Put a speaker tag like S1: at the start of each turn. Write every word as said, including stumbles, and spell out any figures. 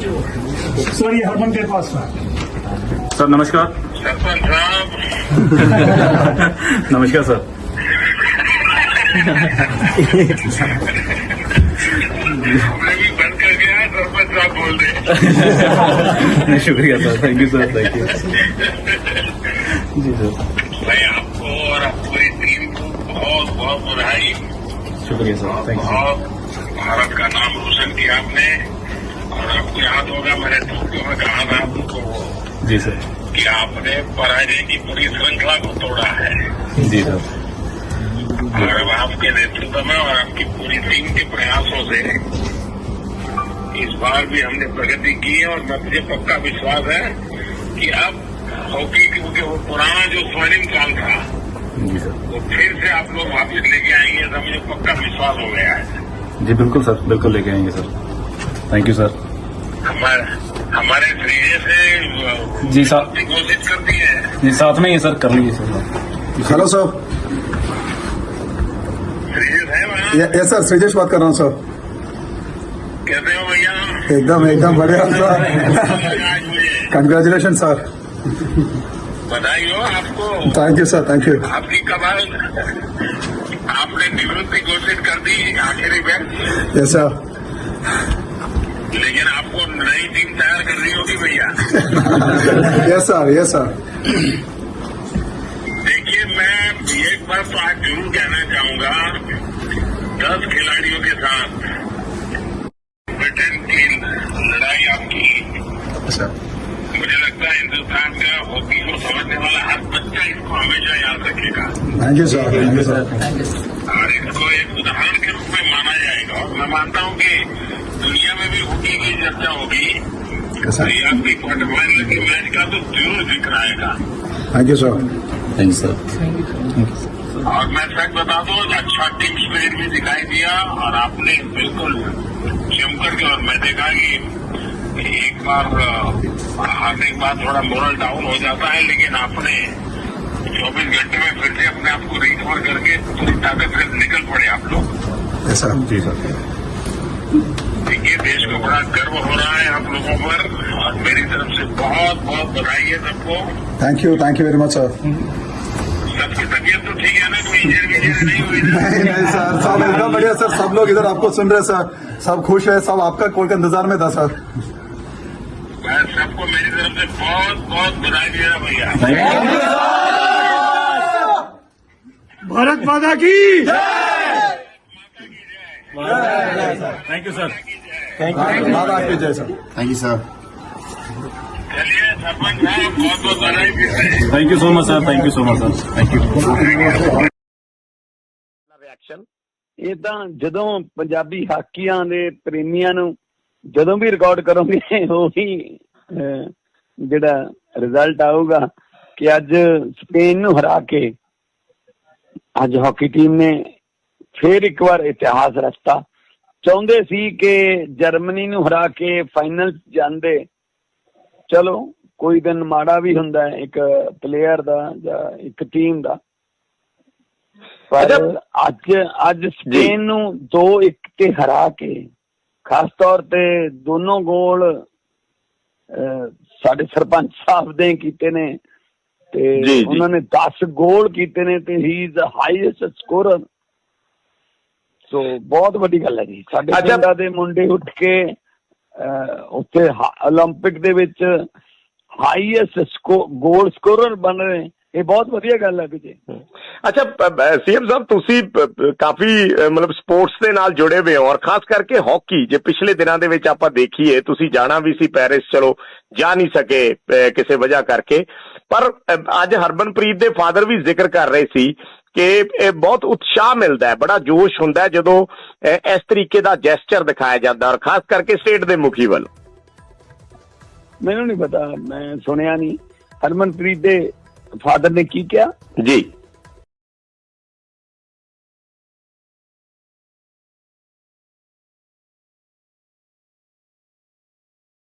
S1: Sir ये हरमन के पास था।
S2: सर नमस्कार।
S3: सरपंच साहब
S2: नमस्कार सर।
S3: मैं भी बंद कर गया, सरपंच साहब बोल रहे।
S2: शुक्रिया sir, thank you sir, thank you ji sir.
S3: मैं आपको और पूरी टीम को बहुत बहुत बधाई।
S2: शुक्रिया सर, थैंक यू।
S3: बहुत भारत का नाम रोशन किया आपने। और आपको याद होगा मैंने टोक्यो में कहा था आपको
S2: जी सर
S3: कि आपने पराजय की पूरी श्रृंखला को तोड़ा है।
S2: जी सर।
S3: और अब आपके नेतृत्व में और आपकी पूरी टीम के प्रयासों से इस बार भी हमने प्रगति की है। और मुझे पक्का विश्वास है कि अब हॉकी क्योंकि वो पुराना जो स्वर्णिम काल था
S2: जी सर।
S3: वो फिर से आप लोग वापिस लेके आएंगे, तो मुझे पक्का विश्वास हो गया है।
S2: जी बिल्कुल सर, बिल्कुल लेके आएंगे सर, थैंक यू सर।
S3: हमारे हमारे श्रीजय से
S2: जी साहब
S3: घोषित कर दी है।
S2: जी साथ में ही सर, कर लीजिए सर।
S4: Hello sir.
S3: श्रीजय है वहाँ?
S4: यस सर, श्रीजेश बात कर रहा हूँ सर।
S3: कैसे हो भैया?
S4: एकदम एकदम बढ़िया सर।
S3: आज मुझे
S4: कंग्रेचुलेशन सर।
S3: बधाई हो आपको।
S4: Thank you sir, thank you.
S3: आपकी कमाल, आपने निवृत्ति घोषित कर दी आखिरी में,
S4: यस सर।
S3: लेकिन आपको नई टीम तैयार करनी होगी भैया।
S4: Yes sir, yes sir.
S3: देखिए मैं एक बात तो आज जरूर कहना चाहूंगा, दस खिलाड़ियों के साथ ब्रिटेन की लड़ाई आपकी, मुझे लगता है हिंदुस्तान का हॉकी को समझने वाला हर बच्चा इसको हमेशा याद रखेगा।
S4: Thank you sir, thank you sir.
S3: और इसको एक उदाहरण के रूप में माना जाएगा। और मैं मानता हूं कि दुनिया में भी हॉकी की चर्चा होगी, तो ये आपकी क्वार्टर फाइनल की मैच का तो जरूर जिक्र आएगा।
S4: Thank you sir.
S2: Thank you sir.
S3: और मैं सच बता दूं, अच्छा टीम स्पिरिट भी दिखाई दिया और आपने बिल्कुल जमकर के, और मैं देखा कि एक बार हारने के बाद थोड़ा मोरल डाउन हो जाता है, लेकिन आपने चौबीस घंटे में फिर से अपने आप को रिकवर करके पूरी ताकत से निकल पड़े आप लोग।
S4: Yes sir.
S2: जी सर।
S3: देखिए देश को बड़ा गर्व हो रहा है आप लोगों पर, और मेरी तरफ से बहुत बहुत बधाई है सबको।
S4: Thank you, thank you very much sir.
S3: सबकी तबीयत तो ठीक है ना? कोई इंजर विजर नहीं हुई ना?
S4: नहीं नहीं सर, सब एकदम बढ़िया सर। सब लोग इधर आपको सुन रहे सर, सब खुश है, सब आपका कॉल के इंतजार में था सर।
S3: मैं सबको मेरी तरफ से बहुत बहुत बधाई दे रहा भैया।
S1: भारत माता की
S2: thank you sir.
S4: Thank you, माता की जय सर।
S5: Thank you sir.
S3: चलिए सरपंच साहब बहुत बहुत बधाई फिर से।
S2: Thank you so much sir, thank you so much sir, thank you.
S6: Reaction ਇਹ ਤਾਂ ਜਦੋਂ ਪੰਜਾਬੀ ਹਾਕੀਆਂ ਦੇ ਪ੍ਰੇਮੀਆਂ ਨੂੰ ਜਦੋਂ ਵੀ ਰਿਕਾਰਡ ਕਰੋਗੇ ਉਹੀ ਜਿਹੜਾ ਰਿਜ਼ਲਟ ਆਊਗਾ ਕਿ ਅੱਜ ਸਪੇਨ ਨੂੰ ਹਰਾ ਕੇ ਅੱਜ ਹਾਕੀ ਟੀਮ ਨੇ ਫੇਰ ਇੱਕ ਵਾਰ ਇਤਿਹਾਸ ਰਚਤਾ। ਚਾਹੁੰਦੇ ਸੀ ਕਿ ਜਰਮਨੀ ਨੂੰ ਹਰਾ ਕੇ ਫਾਈਨਲ ਜਾਂਦੇ। ਚਲੋ ਕੋਈ ਦਿਨ ਮਾੜਾ ਵੀ ਹੁੰਦਾ ਇੱਕ ਪਲੇਅਰ ਦਾ ਜਾਂ ਇੱਕ ਟੀਮ ਦਾ, ਪਰ ਅੱਜ ਅੱਜ ਸਪੇਨ ਨੂੰ ਦੋ ਇੱਕ ਤੇ ਹਰਾ ਕੇ, ਖਾਸ ਤੌਰ ਤੇ ਦੋਨੋਂ ਗੋਲ ਸਾਡੇ ਸਰਪੰਚ ਸਾਹਿਬ ਦੇ ਕੀਤੇ ਨੇ ਤੇ ਉਹਨਾਂ ਨੇ ਦਸ ਗੋਲ ਕੀਤੇ ਨੇ ਤੇ ਹੀ ਇਜ਼ ਹਾਈਐਸਟ ਸਕੋਰਰ। ਸੋ ਬਹੁਤ ਵੱਡੀ ਗੱਲ ਹੈ ਜੀ। ਸਾਡੇ ਪਿੰਡਾਂ ਦੇ ਮੁੰਡੇ ਉੱਠ ਕੇ ਉੱਥੇ ਓਲੰਪਿਕ ਦੇ ਵਿੱਚ ਹਾਈਐਸਟ ਗੋਲ ਸਕੋਰਰ ਬਣ ਰਹੇ, ਇਹ ਬਹੁਤ ਵਧੀਆ ਗੱਲ ਹੈ ਵਿਜੇ।
S7: ਅੱਛਾ ਸੀਐਮ ਸਾਹਿਬ, ਤੁਸੀਂ ਕਾਫੀ ਮਤਲਬ ਸਪੋਰਟਸ ਦੇ ਨਾਲ ਜੁੜੇ ਹੋਏ ਹੋ, ਔਰ ਖਾਸ ਕਰਕੇ ਹਾਕੀ। ਜੇ ਪਿਛਲੇ ਦਿਨਾਂ ਦੇ ਵਿੱਚ ਆਪਾਂ ਦੇਖੀਏ, ਤੁਸੀਂ ਜਾਣਾ ਵੀ ਸੀ ਪੈਰਿਸ, ਚਲੋ ਜਾ ਨਹੀਂ ਸਕੇ ਕਿਸੇ ਵਜ੍ਹਾ ਕਰਕੇ, ਪਰ ਅੱਜ ਹਰਮਨਪ੍ਰੀਤ ਦੇ ਫਾਦਰ ਵੀ ਜ਼ਿਕਰ ਕਰ ਰਹੇ ਸੀ ਕਿ ਇਹ ਬਹੁਤ ਉਤਸ਼ਾਹ ਮਿਲਦਾ ਹੈ, ਬੜਾ ਜੋਸ਼ ਹੁੰਦਾ ਹੈ ਜਦੋਂ ਇਸ ਤਰੀਕੇ ਦਾ ਜੈਸਚਰ ਦਿਖਾਇਆ ਜਾਂਦਾ, ਔਰ ਖਾਸ ਕਰਕੇ ਸਟੇਟ ਦੇ ਮੁਖੀ ਵੱਲੋਂ।
S6: ਮੈਨੂੰ ਨਹੀਂ ਪਤਾ, ਮੈਂ ਸੁਣਿਆ ਨਹੀਂ ਹਰਮਨਪ੍ਰੀਤ ਦੇ ਫਾਦਰ ਨੇ ਕੀ ਕਿਹਾ
S7: ਜੀ।